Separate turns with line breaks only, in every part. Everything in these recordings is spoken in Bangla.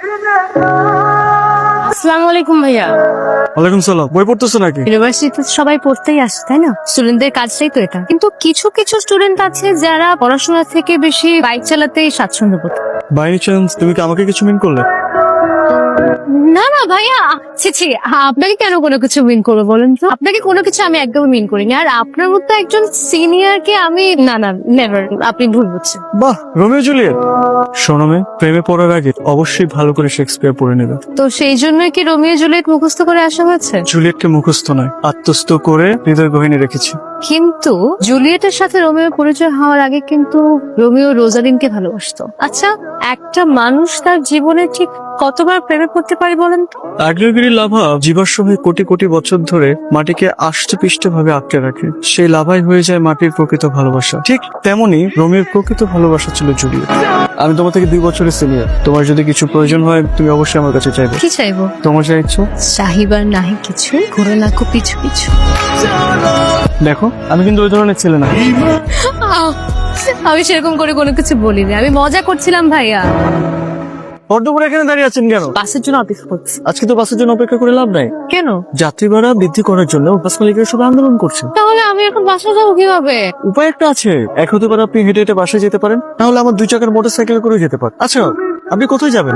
আসসালামু আলাইকুম ভাইয়া।
ওয়ালাইকুম সালাম। বই পড়তেছো নাকি?
ইউনিভার্সিটিতে সবাই পড়তেই আসে তাই না, স্টুডেন্টদের কাজটাই তো এটা। কিন্তু কিছু কিছু স্টুডেন্ট আছে যারা পড়াশোনা থেকে বেশি বাইক চালাতেই স্বাচ্ছন্দ্য বোধ করে।
বাই এনি চান্স তুমি কি আমাকে কিছু মিন করলে?
না না ভাইয়া, ছি আপনাকে কেন কোনো কিছু মিন করবো বলেন তো? আপনাকে কোনো কিছু আমি একদমই মিন করিনি। আর আপনার মতো একজন সিনিয়রকে আমি না না নেভার, আপনি ভুল বুঝছেন।
বাহ, রোমিও জুলিয়েট। শোনো মেয়ে, প্রেমে পড়ার আগে অবশ্যই ভালো করে শেক্সপিয়ার পড়ে নেবে।
তো সেই জন্যই কি রোমিও জুলিয়েট মুখস্থ করে আসা হয়েছে?
জুলিয়েটকে মুখস্থ নয়, আত্মস্থ করে হৃদয় গহিনী রেখেছি।
কিন্তু জুলিয়েটের সাথে রোমিও পরিচয় হওয়ার আগে কিন্তু রোমিও রোজালিনকে ভালোবাসতো। আচ্ছা, একটা মানুষ তার জীবনে ঠিক কতবার প্রেমে পড়তে পারে বলেন তো?
আগ্নেয়গিরি লাভা জীবাশ্ম হয়ে কোটি কোটি বছর ধরে মাটিকে আষ্টে পৃষ্ঠে ভাবে আটকে রাখে। সেই লাভাই হয়ে যায় মাটির প্রকৃত ভালোবাসা। ঠিক তেমনি রোমিওর প্রকৃত ভালোবাসা ছিল জুলিয়েট। আমি তোমার থেকে 2 বছরের সিনিয়র। তোমার যদি কিছু প্রয়োজন হয় তুমি অবশ্যই আমার কাছে চাইবে।
কি চাইবো?
তোমার যা ইচ্ছা।
চাহিবার নাহি কিছু, ঘুরে লাখো পিছু পিছু।
দেখো, আমি কিন্তু ওই ধরনের ছেলে না।
আমি সেরকম করে কোনো কিছু বলিনি, আমি মজা করছিলাম ভাইয়া।
পদ্মপুরে এখানে দাঁড়িয়ে আছেন কেন?
বাসের জন্য অপেক্ষা করছি।
আজকে তো বাসের জন্য অপেক্ষা করে লাভ নাই।
কেন?
যাত্রী ভাড়া বৃদ্ধি করার জন্য বাস মালিকেরা সবাই আন্দোলন করছে।
তাহলে আমি এখন বাসা যাবো কিভাবে?
উপায় একটা আছে। এক হতে পারে আপনি হেঁটে হেঁটে বাসায় যেতে পারেন, তাহলে আমার 2 চাকার মোটরসাইকেল করে যেতে পারেন। আচ্ছা, আপনি কোথায় যাবেন?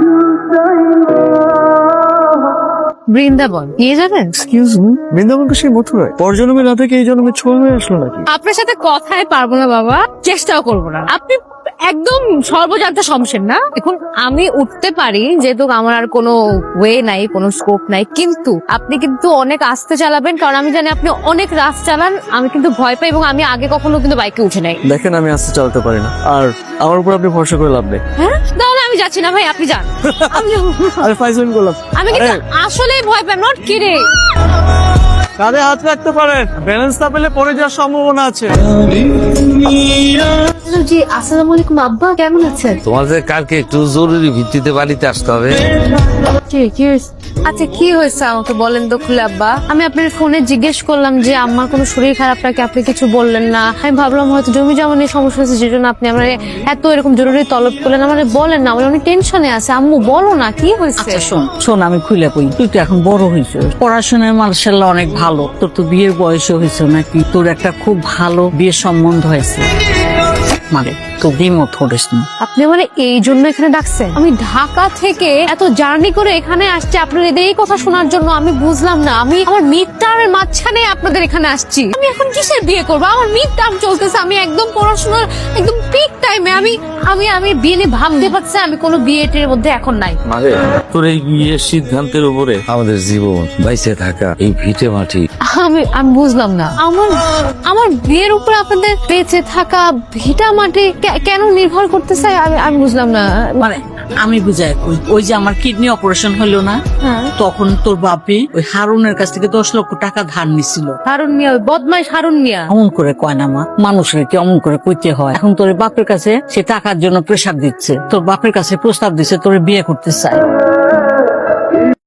বৃন্দাবন নিয়ে যাবেন?
এক্সকিউজ মি, বৃন্দাবনকে সেই মথুরায় পরজন্মে না থেকে এই জন্মে ছোঁয়া হয়ে আসলো নাকি?
আপনার সাথে কথায় পারবো না বাবা, চেষ্টাও করবো না। আপনি একদম সর্বজান্ত সমস্যা না। এখন আমি উঠতে পারি যেহেতু আমার আর কোনো ওয়ে নাই, কোনো স্কোপ নাই, কিন্তু আপনি কিন্তু অনেক আস্তে চালাবেন, কারণ আমি জানি আপনি অনেক রাস চালান। আমি কিন্তু ভয় পাই এবং আমি আগে কখনো কিন্তু বাইকে উঠে নাই।
দেখেন, আমি আস্তে চালাতে পারি না, আর আমার উপর আপনি ভরসা করে লাভ নেই।
হ্যাঁ, তাহলে আমি যাচ্ছি না ভাই, আপনি যান। আমি যাবো।
আরে ফাইজলামি করলাম।
আমি কিন্তু আসলেই ভয় পাই, নট কিরে।
কাঁধে হাত রাখতে পারেন, ব্যালেন্স না পেলে পড়ে যাওয়ার সম্ভাবনা আছে।
জি, আসসালামু আলাইকুম আব্বা, কেমন আছেন?
তোমাদের কালকে একটু জরুরি ভিত্তিতে বাড়িতে আসতে হবে।
আচ্ছা, কি হয়েছে আমাকে বলেন তো খুলে আব্বা। আমি আপনার ফোনে জিজ্ঞেস করলাম যে আমার কোনো শরীর খারাপ নাকি, আপনি কিছু বললেন না। আমি ভাবলাম হয়তো জমি জমা নিয়ে সমস্যা হয়েছে, যেজন্য আপনি আমার এত এরকম জরুরি তলব করলেন। আমার বলেন না, আমার অনেক টেনশনে আছে। আম্মু বলো না, কি হয়েছে?
আচ্ছা শোন আমি খুলে কই, তুই তো এখন বড় হয়েছ, পড়াশোনায় মার্শাল্লাহ অনেক ভালো, তোর তো বিয়ের বয়সও হয়েছে নাকি, তোর একটা খুব ভালো বিয়ের সম্বন্ধ হয়েছে, মানে তো দ্বিমত করিস না।
আপনি আমার এই জন্য এখানে ডাকছেন? আমি ঢাকা থেকে এত জার্নি করে এখানে আসছি আপনার এই কথা শোনার জন্য। আমি বুঝলাম না, আমি আমার মিড টার্মের মাঝখানে আপনাদের এখানে আসছি। আমি এখন কিসের বিয়ে করবো? আমার মিড টার্ম চলতেছে, আমি একদম পড়াশোনার একদম পিক টাইমে। আমি আমি আমি বিয়ে নিয়ে ভাবতে পারছি, আমি কোনো বিয়েটের মধ্যে এখন নাই।
মানে তোর এই বিয়ের সিদ্ধান্তের উপরে আমাদের জীবন বাইসে থাকা এই ভিটে মাটি।
আমি আমি বুঝলাম না, আমার বিয়ের উপর আপনাদের বেঁচে থাকা ভিটা মাটি কেন নির্ভর করতেছে? আমি বুঝলাম না।
মানে আমি বুঝাই কই, ওই যে আমার কিডনি অপারেশন হলো না, তখন তোর বাপি ওই হারুনের কাছ থেকে 10 লক্ষ টাকা ধার নিছিল।
হারুন মিয়া, ওই বদমাইশ হারুন মিয়া।
এমন করে কয় না মা, মানুষের কি অমন করে কইতে হয়? এখন তোর বাপের কাছে সে টাকার জন্য প্রেসার দিচ্ছে, তোর বাপের কাছে প্রস্তাব দিচ্ছে তোর বিয়ে করতে চায়।